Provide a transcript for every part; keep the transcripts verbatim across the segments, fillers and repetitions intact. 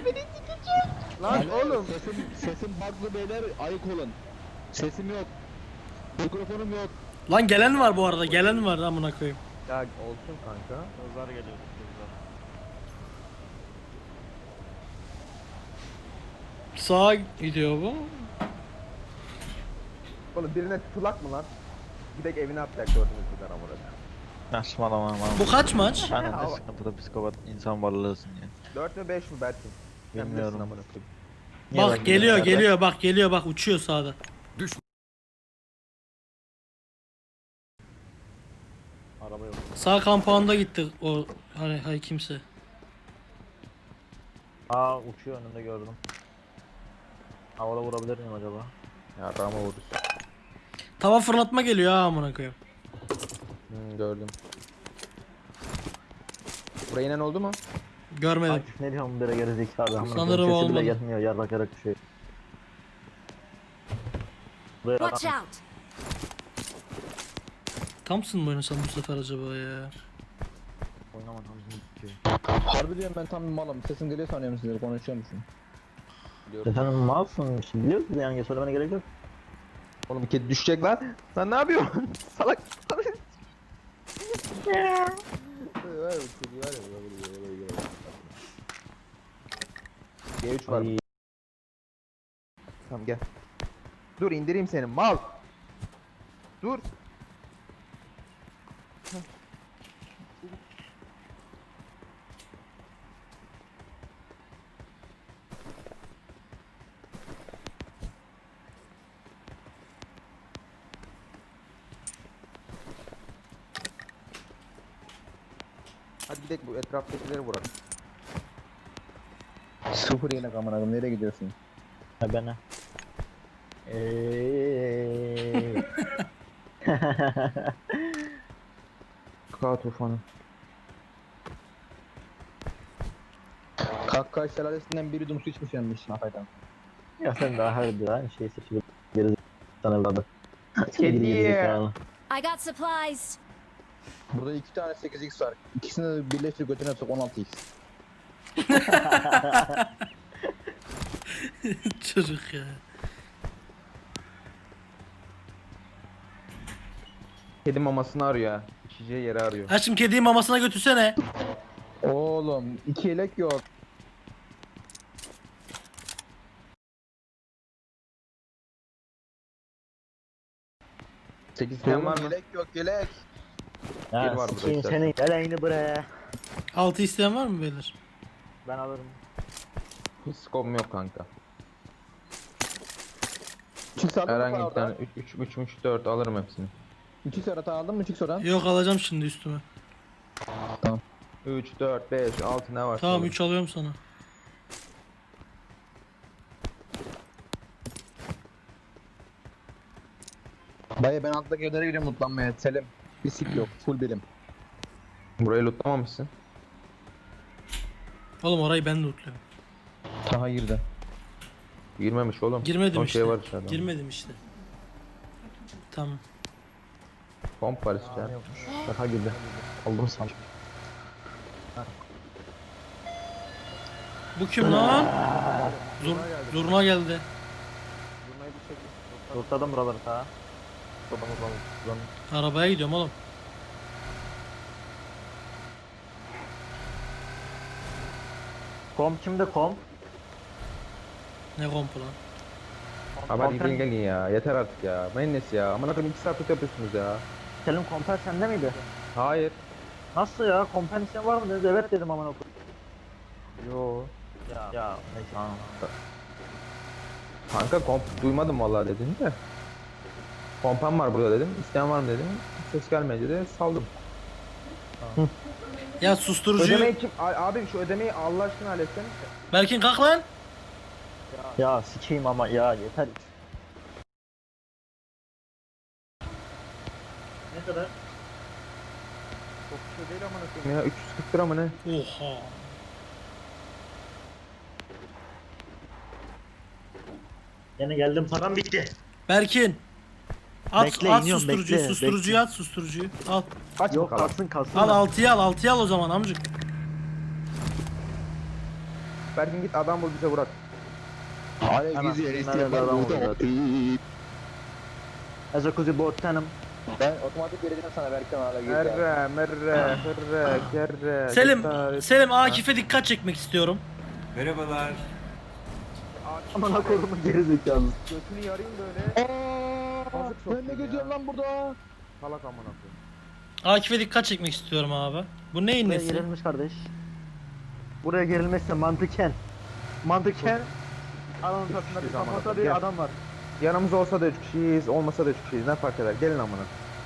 Lan oğlum. Sesim, sesim bug'lı beyler, ayık olun. Sesim yok. Mikrofonum yok. Lan gelen var bu arada, gelen var amına koyayım. Ya olsun kanka. Kızlar geliyor kızlar. Sağa gidiyor bu. Oğlum birine tutulak mı lan? Gidek evine atacak gördüğünüz kadar amına. Saçmalama aman. Bu kaç maç? Sen de sıkıntıda psikopat insan varlığısın ya. dört mü beş mi Berkin? Sen Bilmiyorum. bilirsin amına koyayım. Niye Bak ben geliyor gidiyorum geliyor bak geliyor bak uçuyor sağda. zaten? Araba yok. Sağ kampanda gitti o hani hay kimse. Aa uçuyor önünde gördüm. Havada vurabilir miyim acaba? Ya rama vurursun. Tava fırlatma geliyor ha amına koyayım. Hmm, gördüm. Buraya inen oldu mu? Görmedim. Akif ne diyorum bire gerizekalı amına Sanırım koyayım, sesi olmadı. bile gelmiyor yarrak yarrak düşüyor. Buraya Watch adam- out! Thompson mı oynasam bu sefer acaba ya? Oynama tam bitiyor. Harbi diyorum, ben tam bir malım. Sesim geliyor sanıyorum, sizleri konuşuyor musun? Sen malsın işte biliyorsun yani söylemene gerek yok. Oğlum bir kedi düşecek lan. Sen ne yapıyorsun? Salak. G üç var. Ay, Tamam gel. Dur indireyim seni mal. Dur. Hadi gidelim bu etraftakileri vuralım. Sıfır yine kameragım, nereye gidiyorsun? ha bana. Eee. Kaka tufanı. Kakka şelalesinden biri dumsu içmiş yanmış Nafay'dan. Ya sen daha her bir aynı şeyi seçip geri sana evladı. Kedi. I got supplies. Burada iki tane sekiz x var. İkisini de birleştir götüne sok, on altı x. Çocuk ya. Kedi mamasını arıyor ha. İçeceği yeri arıyor. Aşkım kediyi mamasına götürsene. Oğlum iki yelek yok. sekiz tane var mı? Yelek yok, yelek. Bir var Ya burada sikeyim işte. senin geleğini buraya. Altı isteyen var mı beyler? Ben alırım. Hiç skom yok kanka. Çık aldın mı Herhangi bir orada? tane üç üç üç dört alırım hepsini. İki sonra aldın mı? Çık sonra. Yok alacağım şimdi üstüme. üç dört beş altı ne var? Tamam üç alıyorum sana. Dayı ben alttaki evlere gidiyorum mutlanmaya. Selim. Bir sik yok. Full bilim. Burayı lootlamamışsın. Oğlum orayı ben de lootluyorum. Taha girdi. Girmemiş oğlum. Girmedim Son işte. şey var içeride. Girmedim işte. Tamam. Pomp var içeride. Şaka gibi. Aldım sandım. Bu kim lan? Zur zurna geldi. Zurnayı bir çekin. Kurtardım buraları ta. Kurtardım buraları. Arabaya gidiyorum oğlum. Kom kimde kom? Ne kompu lan? Haber Kompen- gidin gelin ya. Yeter artık ya. Mayonez ya. Aman akım iki saat tut yapıyorsunuz ya. Selim komper sende miydi? Hayır. Nasıl ya? Kompen isteyen var mı dedi. Evet dedim aman okuyayım. Yo. Ya, ya neyse tamam. Kanka komp duymadım vallahi dedin de. Kompam var burada dedim. İsteyen var mı dedim. Ses gelmedi de saldım. Ya susturucuyu... Ödemeyi kim? A- Abi şu ödemeyi Allah aşkına halletsene. Berkin kalk lan. Ya sikeyim ama ya yeter. Ne kadar? Çok bir şey değil amına koyayım ya. üç yüz kırk lira mı ne? Oha. Yine geldim param bitti. Berkin. At, Bekle, at iniyorum, susturucuyu, bekle, susturucuyu bekle. at susturucuyu. Al. Aç Yok bakalım. kalsın kalsın. Al da. altıyı al, altıyı al o zaman amcık. Berkin git adam bul bize vurak. Alev Hemen gizli yer nerede isteyen var adam burada. olacak? Ezokuzi botanım. Ben otomatik vereceğim sana Berkan hala git. Merre merre hırre kerre. Selim, gitar- Selim Akif'e dikkat çekmek istiyorum. Merhabalar. Aman akorumu geri zekalı. Götünü yarayım böyle. Aaa! Kazık Ben soktun ne ya. geziyorum lan burada? Salak amına koyayım. Akif'e dikkat çekmek istiyorum abi. Bu neyin Buraya nesi? gerilmiş kardeş. Buraya gerilmezse mantıken. Mantıken. Alanın ortasında bir Hiçbir zaman kafada gel. bir adam var. Yanımızda olsa da üç kişiyiz, olmasa da üç kişiyiz. Ne fark eder? Gelin amına.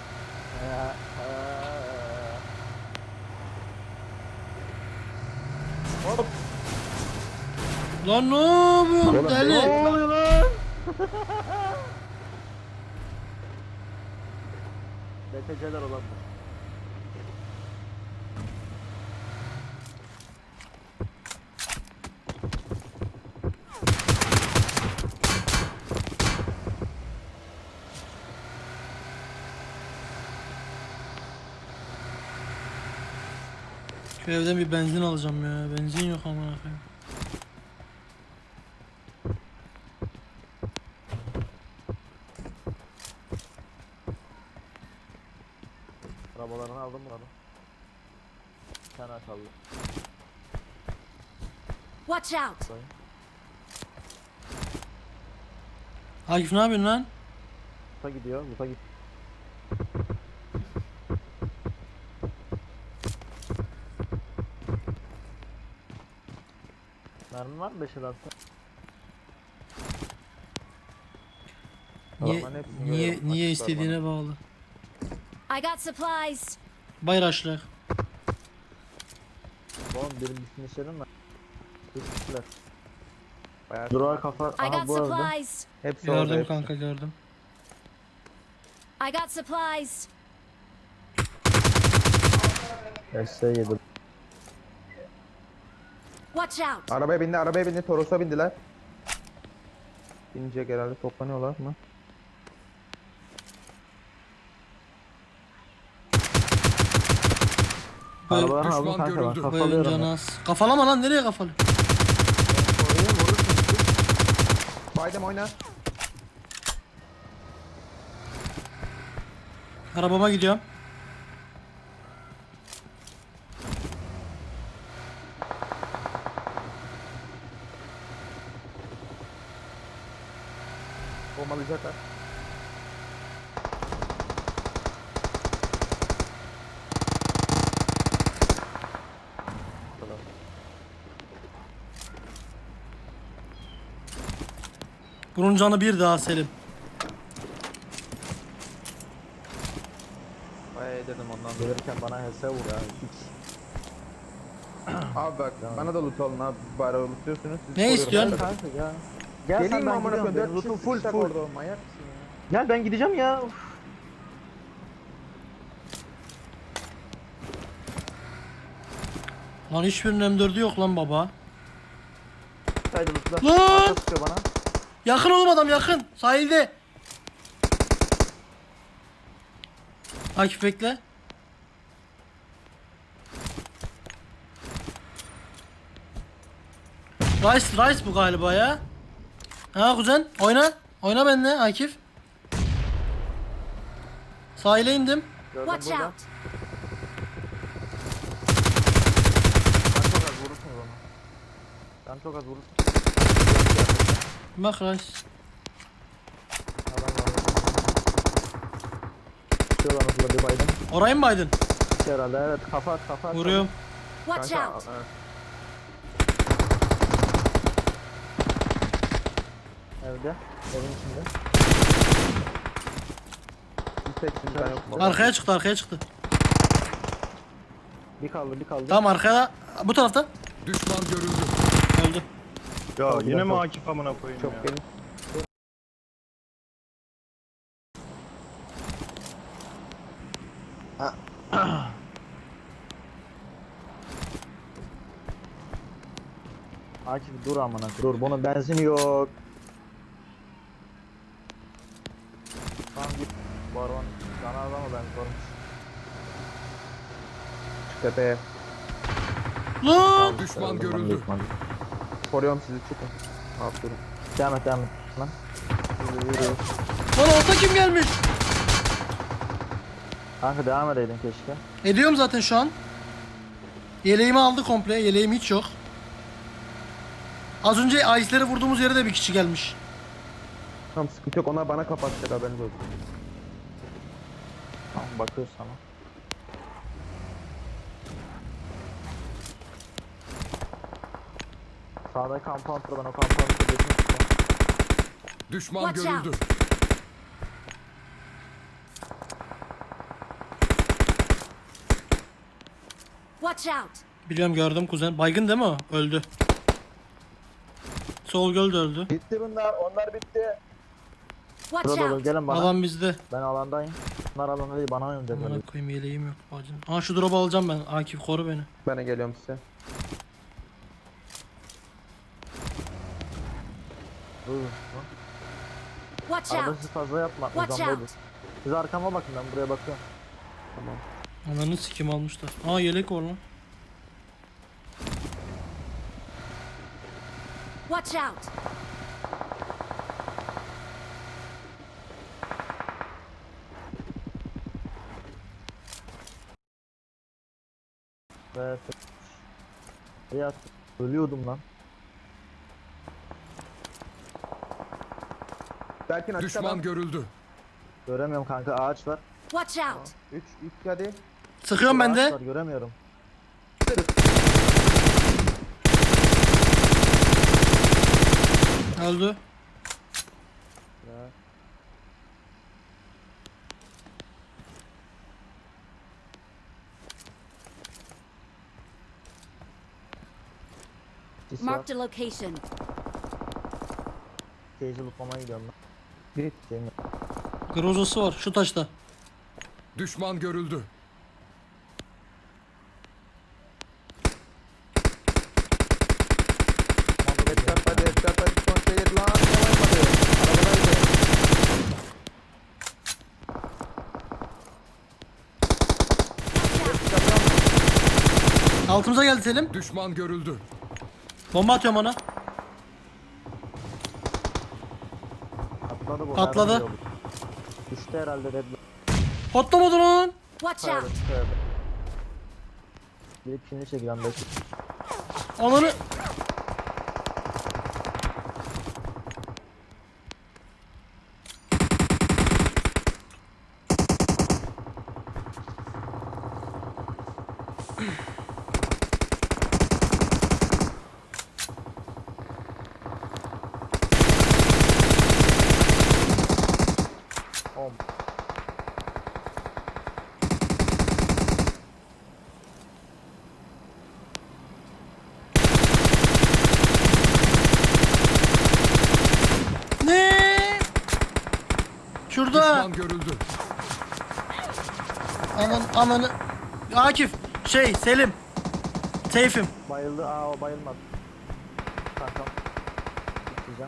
Lan ne yapıyorsun deli? Ne oluyor lan? B T C'ler olan bu. Şu evden bir benzin alacağım ya. Benzin yok amına koyayım. Arabalarını aldım bunları. Bir tane kaldı. Watch out! Akif ne yapıyorsun lan? Muta gidiyor, Muta git. Mermi var mı beş el altı? Niye, Adamların hepsini niye, görüyorum. niye Açıklar istediğine bağlı. I got supplies. Bayraşlar. Oğlum benim üstüne işlerim mi? Türkçüler. Bayağı Durağa kafa. I Aha got bu arada. supplies. Hepsi orada. Gördüm hepsi. kanka gördüm. I got supplies. S yedi. Watch out! Arabaya bindi, arabaya bindi, Toros'a bindiler. Binecek herhalde, toplanıyorlar mı? Böyle, Arabadan aldım kanka ben böyle kafalıyorum. canı az. Kafalama lan, nereye kafalı? Baydem oyna. Arabama gidiyorum. Bombalayacaklar. Bunun canı bir daha Selim. Bayağı yedirdim ondan dolayı. Gelirken bana H S vur ya. Hiç. Abi bak, bana da loot alın abi. Bari lootluyorsunuz. siz Ne koruyorum. istiyorsun? Ben de- Kanka ya. Gel Geleyim sen mi ben amına gidiyorum. koyayım? Benim Dört lootum kişi full sıçacak full. orada, manyak mısın ya? Gel ben gideceğim ya. Uf. Lan hiçbirinin M dördü yok lan baba. Haydi lootla. Lan! Arka sıkıyor bana. Yakın oğlum, adam yakın. Sahilde. Akif bekle. Rice, Rice bu galiba ya. Ha kuzen, oyna. Oyna benimle Akif. Sahile indim. Gördüm Watch burada. out! Sen çok az vurursun o zaman. Sen çok az vurursun. Bak Rice. Adam var. Şuradan hızlı bir baydım. Orayı mı baydın? İki herhalde evet kafa at kafa at. Vuruyorum. Watch Kanka, out! ha. Evde. Evin içinde. Bir tek şimdi ben yokum. Arkaya çıktı, arkaya çıktı. Bir kaldı bir kaldı. Tamam, arkaya. Bu tarafta. Düşman görüldü. Öldü. Ya Çok yine mi çok- Akif amına koyayım Çok ya? geniş. Akif dur amına. Dur bunun benzini yok. Tamam git. Bu arabanın sana araba mı ben sormuş. Tepeye. Lan! Düşman görüldü. Koruyorum sizi, çıkın. Aferin. Devam et devam et. Lan. Yürü, yürü. Lan orta kim gelmiş? Kanka devam edeydin keşke. Ediyorum zaten şu an. Yeleğimi aldı komple. Yeleğim hiç yok. Az önce Ice'leri vurduğumuz yere de bir kişi gelmiş. Tamam, sıkıntı yok, onlar bana kapatacak, haberiniz olsun. Tamam bakıyoruz sana. Sağda compound var, ben o compound'u geçmek istiyorum. Düşman Watch out. görüldü. Watch out! Biliyorum, gördüm kuzen. Baygın değil mi o? Öldü. Sol göl de öldü. Bitti bunlar. Onlar bitti. Watch Burada olur out! gelin bana. Alan bizde. Ben alandayım. Bunlar alanda değil, bana oynayın dediler. Amına koyayım, yeleğim yok bacım. Aa, şu drop'u alacağım ben. Akif koru beni. Ben de geliyorum size. Dur. dur. Watch Arada out! siz fazla yapma. Watch Uzandaydı. out! Siz arkama bakın, ben buraya bakıyorum. Tamam. Ananı sikim almışlar. Aa, yelek var lan. Watch out! Ve ya ölüyordum lan. Berkin açık Düşman adam. görüldü. Göremiyorum kanka, ağaç var. Watch out! üç, üç hadi. Sıkıyorum ben Ağaç de. var, göremiyorum. Öldü. Sis var. Marked a location. Cage'i lootlamaya gidiyorum ben. Git. Şeyim yok. Grozası var şu taşta. Düşman görüldü. Headshot hadi, headshot hadi. Son şey yedi lan. Yalaymadı. Arabadaydı. Altımıza geldi Selim. Düşman görüldü. Bomba atıyorum ona. Atladı bu. Atladı. herhalde yolu. Düştü herhalde red. Patlamadı lan. Watch Tövbe out! tövbe. Gidip şimdi çekilen belki. Ananı. Om. Ne? Şurada. Düşman görüldü. Anan ananı. Akif. Şey Selim. Seyfim. Bayıldı. Aa o bayılmadı. Kankam. Gideceğim.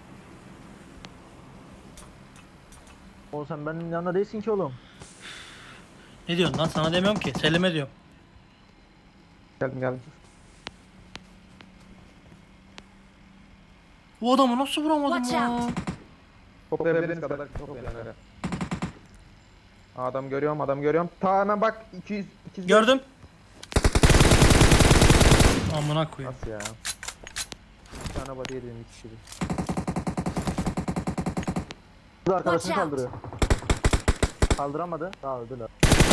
Oğlum sen benim yanında değilsin ki oğlum. Ne diyorsun lan? Sana demiyorum ki. Selim'e diyorum. Geldim geldim. Bu adamı nasıl vuramadım Watch ya? out. Toplayabildiğiniz kadar toplayın öyle. Adam görüyorum, adam görüyorum. Ta hemen bak, iki yüz, iki yüz. Gördüm. Amına koyayım. Nasıl ya? Bir tane body yedim, iki kişi. Bu arkadaşını Watch out. kaldırıyor. Kaldıramadı. Daha öldüler.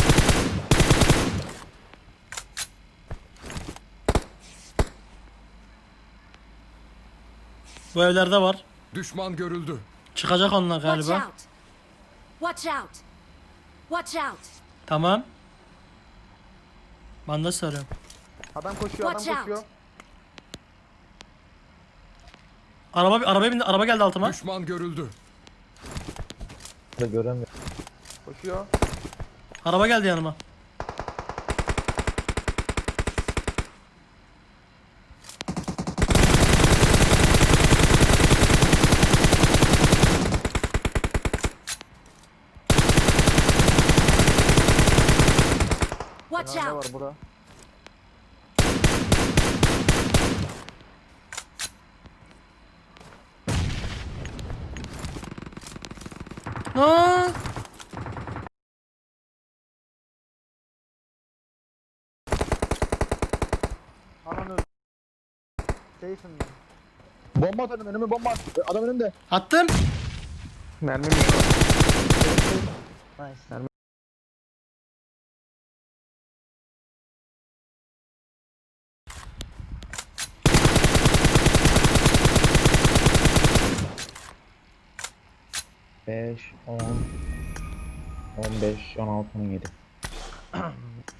Bu evlerde var. Düşman görüldü. Çıkacak onlar Watch galiba. out! Watch out! Watch out! Tamam. Bandaj sarıyorum. Adam koşuyor, adam Watch out. koşuyor. Araba arabaya bindi. Araba geldi altıma. Düşman görüldü. Da göremiyorum. Koşuyor. Araba geldi yanıma. Watch Nerede out! var bura? Aa! Ananı öl- Safe'im ben. Bomba at önüme bomba at. Adam önümde. Attım. Mermim yok. Nice. beş, on, on beş, on altı, on yedi.